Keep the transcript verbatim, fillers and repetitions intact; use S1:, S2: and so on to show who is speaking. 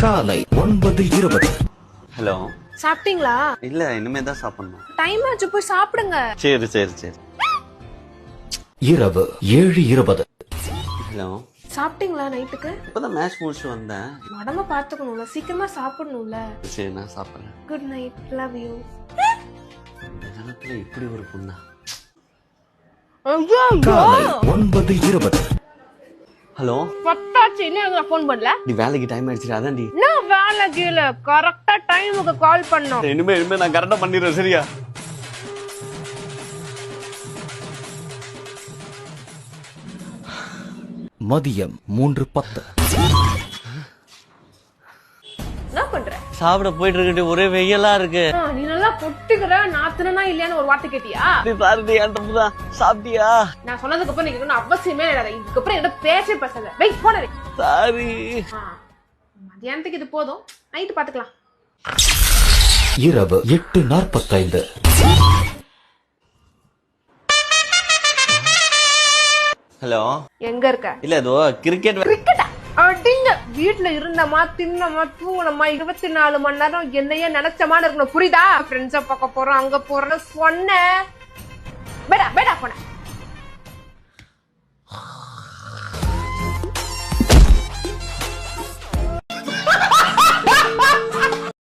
S1: காலை ஒன்பது இருபது.
S2: ஹலோ,
S3: சாப்பிட்டீங்களா?
S2: இல்ல இனிமே தான் சாப்பிடணும்.
S3: டைம் ஆச்சு, போய் சாப்பிடுங்க.
S2: சரி சரி சரி.
S1: இரவு ஏழு இருபது.
S2: ஹலோ,
S3: சாப்பிட்டீங்களா? நைட்டுக்கு
S2: இப்பதான் மேட்ச் முடிச்சு வந்தேன்.
S3: உடம்ப பாத்துக்கணும்ல, சீக்கிரமா சாப்பிடணும்ல.
S2: சரி நான் சாப்பிடுறேன்.
S3: Good night, love you.
S2: இந்த காலத்துல இப்படி ஒரு பொண்ணா?
S1: காலை ஒன்பது இருபது.
S2: ஹலோ,
S3: பத்தாச்சு, இன்னும் எனக்கு ஃபோன் பண்ணல.
S2: நீ வேலைக்கு டைம் ஆயிடுச்சு. அதான்டி
S3: நான் வேலை கீழ கரெக்டா டைமுக்கு கால் பண்ணோம்.
S2: இனிமே இனிமே நான் கரெக்டா பண்ணிடுறேன். சரியா?
S1: மதியம் மூன்று பத்து.
S3: என்ன பண்ற?
S2: சாப்பிட போயிட்டு இருக்கு. ஒரே வெயிலா இருக்கு.
S3: ஆ, நீ நல்லா பொட்டுக்கிற. நாத்துனா இல்லையான்னு ஒரு வார்த்தை கேட்டியா?
S2: சாரி தான். சாப்பிட்டியா?
S3: நான் சொன்னதுக்கு அப்புறம் நீங்க ஒன்னும் அவசியமே இல்லை. இதுக்கப்புறம் என்ன பேசவே பேசாத. வெயிட் போன.
S2: சாரி.
S3: மத்தியானத்துக்கு இது போதும், நைட்டு பாத்துக்கலாம்.
S1: இரவு எட்டு நாற்பத்தைந்து.
S2: ஹலோ,
S3: எங்க இருக்க?
S2: இல்ல ஏதோ கிரிக்கெட்.
S3: கிரிக்கெட்டா? அடிங்க. வீட்டுல இருந்தமா, தின்னமா, தூங்கணுமா, இருபத்தி நாலு மணி நேரம் என்னையே நினைச்சமான இருக்கணும். புரியுதா? ஃப்ரெண்ட்ஸ பார்க்க போறோம், அங்க போறோம்னு சொன்ன. பேடா பேடா போன.